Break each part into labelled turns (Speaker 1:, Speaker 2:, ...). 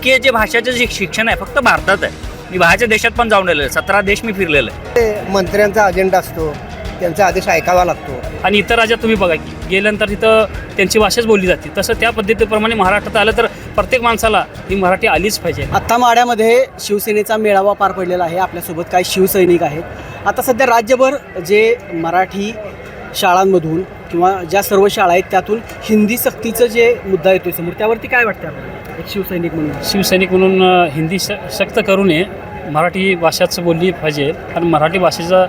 Speaker 1: इतके जे भाषाचं जे शिक्षण आहे फक्त भारतात आहे. मी बाहेरच्या देशात पण जाऊन आलेलो आहे, 17 देश मी फिरलेलो आहे.
Speaker 2: मंत्र्यांचा अजेंडा असतो, त्यांचा आदेश ऐकावा लागतो.
Speaker 1: आणि इतर राज्यात तुम्ही बघा की गेल्यानंतर तिथं त्यांची भाषाच बोलली जाते. तसं त्या पद्धतीप्रमाणे महाराष्ट्रात आलं तर प्रत्येक माणसाला ही मराठी आलीच पाहिजे.
Speaker 3: आत्ता माढ्यामध्ये शिवसेनेचा मेळावा पार पडलेला आहे. आपल्यासोबत काही शिवसैनिक आहेत. आता सध्या राज्यभर जे मराठी शाळांमधून किंवा ज्या सर्व शाळा आहेत त्यातून हिंदी सक्तीचं जे मुद्दा येतोय समोर, त्यावरती काय वाटतं आपल्याला एक शिवसैनिक म्हणून हिंदी सक्त करू नये, मराठी भाषाच बोलली पाहिजे. आणि मराठी भाषेचा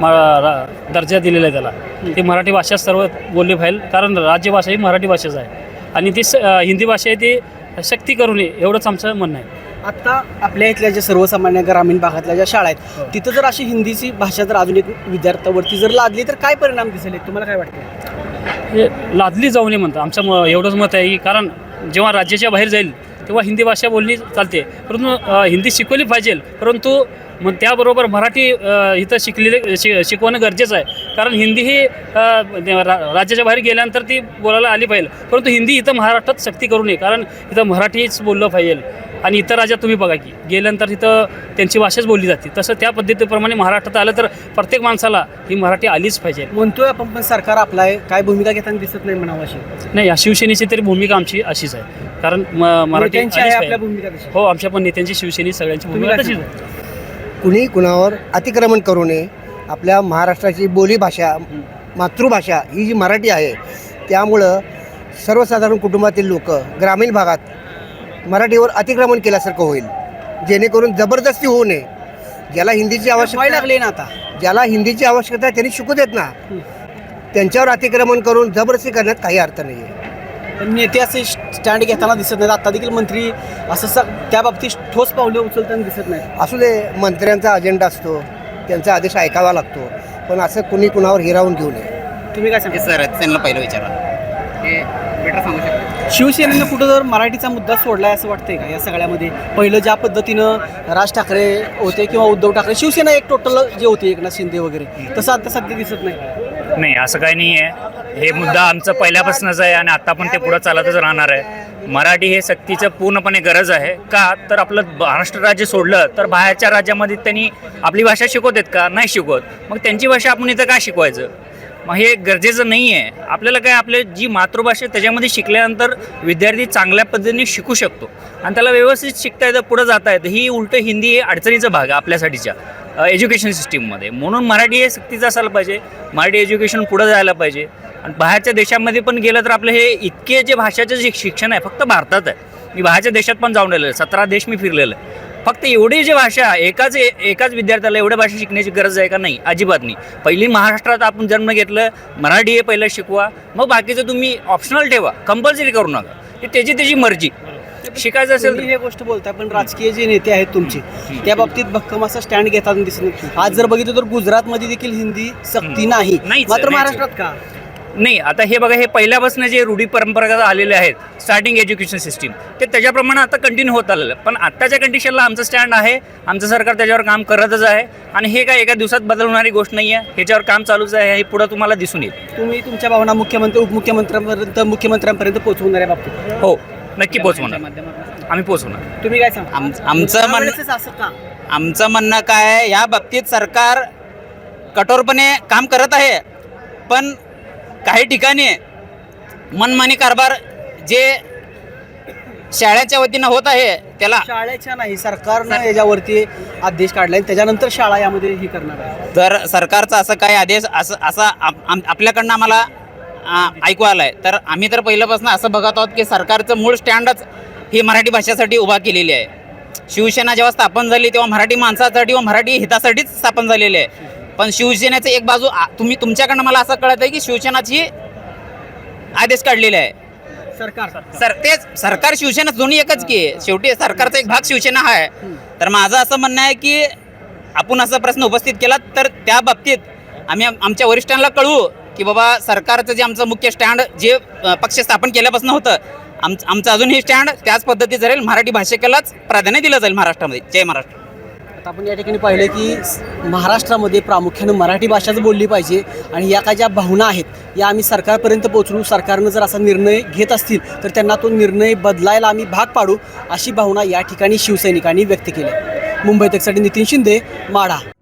Speaker 3: दर्जा दिलेला आहे त्याला. ती मराठी भाषा सर्व बोलली पाहिजे, कारण राज्यभाषा ही मराठी भाषाच आहे. आणि ती हिंदी भाषा आहे ती सक्ती करू नये एवढंच आमचं म्हणणं आहे. आत्ता आपल्या इथल्या ज्या सर्वसामान्य ग्रामीण भागातल्या ज्या शाळा आहेत तिथं जर अशी हिंदीची भाषा जर अजून एक विद्यार्थ्यावरती जर लादली तर काय परिणाम दिसेल तुम्हाला काय वाटतं?
Speaker 1: हे लादली जाऊ नये म्हणतं आमचं एवढंच मत आहे की कारण जेव्हा राज्याच्या बाहेर जाईल तेव्हा हिंदी भाषा बोलली चालते, परंतु हिंदी शिकवली पाहिजे. परंतु मग त्याबरोबर मराठी इथं शिकवणं गरजेचं आहे. कारण हिंदी ही राज्याच्या बाहेर गेल्यानंतर ती बोलायला आली पाहिजे, परंतु हिंदी इथं महाराष्ट्रात सक्ती करू नये, कारण इथं मराठीच बोललं पाहिजे. आणि इतर राज्यात तुम्ही बघा की गेल्यानंतर तिथं त्यांची भाषाच बोलली जाते. तसं त्या पद्धतीप्रमाणे महाराष्ट्रात आलं तर प्रत्येक माणसाला ही मराठी आलीच पाहिजे.
Speaker 3: म्हणतोय आपण, पण सरकार आपला आहे काय भूमिका घेताना दिसत नाही म्हणावं अशी.
Speaker 1: नाही, या शिवसेनेची तरी भूमिका आमची अशीच आहे, कारण मराठी
Speaker 3: आपल्या भूमिका तशी.
Speaker 1: हो, आमच्या पण नेत्यांची शिवसेने सगळ्यांची भूमिका तशीच आहे.
Speaker 2: कुणी कुणावर अतिक्रमण करू नये. आपल्या महाराष्ट्राची बोलीभाषा, मातृभाषा ही जी मराठी आहे, त्यामुळं सर्वसाधारण कुटुंबातील लोक ग्रामीण भागात मराठीवर अतिक्रमण केल्यासारखं होईल, जेणेकरून जबरदस्ती होऊ नये. ज्याला हिंदीची आवश्यकता
Speaker 3: लागली ना आता,
Speaker 2: ज्याला हिंदीची आवश्यकता आहे त्यांनी शिकू देत ना. त्यांच्यावर अतिक्रमण करून जबरदस्ती करण्यात काही अर्थ नाही आहे.
Speaker 3: नेते असे स्टँड घेताना दिसत नाहीत. आता देखील मंत्री असं त्या बाबतीत ठोस पावलं उचलताना दिसत नाही.
Speaker 2: असू दे, मंत्र्यांचा अजेंडा असतो, त्यांचा आदेश ऐकावा लागतो, पण असं कुणी कुणावर हिरावून घेऊ नये.
Speaker 3: तुम्ही काय सांगा?
Speaker 4: सर त्यांना पहिलं विचारा, हे बेटर सांगू शकतो.
Speaker 3: शिवसेनेनं कुठं जर मराठीचा मुद्दा सोडलाय असं वाटतंय का या सगळ्यामध्ये? पहिलं ज्या पद्धतीनं राज ठाकरे होते किंवा उद्धव ठाकरे, शिवसेना एक टोटल जे होते एकनाथ शिंदे वगैरे, तसं आता सध्या दिसत नाही.
Speaker 5: नाही, असं काही नाही आहे. हे मुद्दा आमचं पहिल्यापासूनच आहे आणि आता पण ते पुढं चालतच राहणार आहे. मराठी हे सक्तीचं पूर्णपणे गरज आहे. का तर आपलं महाराष्ट्र राज्य सोडलं तर बाहेरच्या राज्यामध्ये त्यांनी आपली भाषा शिकवतात का? नाही शिकवत. मग त्यांची भाषा आपण इथं का शिकवायचं? मग हे गरजेचं नाही आहे. आपल्याला काय, आपली जी मातृभाषा त्याच्यामध्ये शिकल्यानंतर विद्यार्थी चांगल्या पद्धतीने शिकू शकतो आणि त्याला व्यवस्थित शिकता येतं, पुढं जाता येतं. ही उलट हिंदी हे अडचणीचा भाग आहे आपल्यासाठीच्या एज्युकेशन सिस्टीममध्ये. म्हणून मराठी हे सक्तीचं असायला पाहिजे. मराठी एज्युकेशन पुढं जायला पाहिजे. आणि बाहेरच्या देशामध्ये पण गेलं तर आपलं हे इतके जे भाषाचं जे शिक्षण आहे फक्त भारतात आहे. मी बाहेरच्या देशात पण जाऊन आलेलो आहे, 17 देश मी फिरलेलो आहे. फक्त एवढी जी भाषा एकाच विद्यार्थ्याला एवढ्या भाषा शिकण्याची गरज आहे का? नाही, अजिबात नाही. पहिली महाराष्ट्रात आपण जन्म घेतलं, मराठी हे पहिलं शिकवा, मग बाकीचं तुम्ही ऑप्शनल ठेवा, कंपल्सरी करू नका. ही त्याची मर्जी. शिकायचं असेल
Speaker 3: तुम्ही हे गोष्ट बोलताय, पण राजकीय जे नेते आहेत तुमचे त्या बाबतीत भक्कम असा स्टँड घेताना दिसत नाही. आज जर बघितलं तर गुजरातमध्ये देखील हिंदी सक्ती नाही, मात्र महाराष्ट्रात का
Speaker 5: नाही? आता हे बघा, हे पहिल्यापासून जे रूढी परंपरागत आलेले आहेत स्टार्टिंग एज्युकेशन सिस्टीम, ते त्याच्याप्रमाणे आता कंटिन्यू होत आलेलं. पण आत्ताच्या कंडिशनला आमचं स्टँड आहे, आमचं सरकार त्याच्यावर काम करतच आहे. आणि हे काय एका दिवसात बदलणारी गोष्ट नाही आहे. ह्याच्यावर काम चालूच आहे. हे पुढं तुम्हाला दिसून येईल.
Speaker 3: तुम्ही तुमच्या भावना मुख्यमंत्री मुख्यमंत्र्यांपर्यंत पोहोचवून आहे बाबतीत?
Speaker 5: हो, नक्की पोचवणार. आम्ही पोचवणार.
Speaker 3: तुम्ही काय सांगा?
Speaker 4: आमचं म्हणणं काय आहे, या बाबतीत सरकार कठोरपणे काम करत आहे, पण काही ठिकाणी मनमानी कारभार जे शाळेच्या वतीनं होत आहे त्याला
Speaker 3: शाळेच्या नाही, सरकारनं याच्यावरती आदेश काढलाय, त्याच्यानंतर शाळा यामध्ये ही करणार आहे.
Speaker 4: जर सरकारचा असं काही आदेश असा आपल्याकडनं आम्हाला ऐकू आलाय, तर आम्ही तर पहिल्यापासून असं बघत आहोत की सरकारचं मूळ स्टँडच ही मराठी भाषेसाठी उभा केलेली आहे. शिवसेना जेव्हा स्थापन झाली तेव्हा मराठी माणसासाठी व मराठी हितासाठीच स्थापन झालेली आहे. पण शिवसेनेचं एक बाजू तुमच्याकडनं मला असं कळत आहे की शिवसेनाची आदेश काढलेले आहे. तेच सरकार शिवसेना दोन्ही एकच की, शेवटी सरकारचा एक भाग शिवसेना आहे. तर माझं असं म्हणणं आहे की आपण असा प्रश्न उपस्थित केला तर त्या बाबतीत आम्ही आमच्या वरिष्ठांना कळवू की बाबा सरकारचं जे आमचं मुख्य स्टँड जे पक्ष स्थापन केल्यापासून होतं, आमचं अजूनही स्टँड त्याच पद्धतीचं राहील. मराठी भाषिकेलाच प्राधान्य दिलं जाईल महाराष्ट्रामध्ये. जय महाराष्ट्र.
Speaker 3: आता आपण या ठिकाणी पाहिलं की महाराष्ट्रामध्ये प्रामुख्यानं मराठी भाषाच बोलली पाहिजे आणि या काय ज्या भावना आहेत या आम्ही सरकारपर्यंत पोहोचवू. सरकारनं जर असा निर्णय घेत असतील तर त्यांना तो निर्णय बदलायला आम्ही भाग पाडू, अशी भावना या ठिकाणी शिवसैनिकांनी व्यक्त केली. मुंबई तकसाठी नितीन शिंदे, माढा.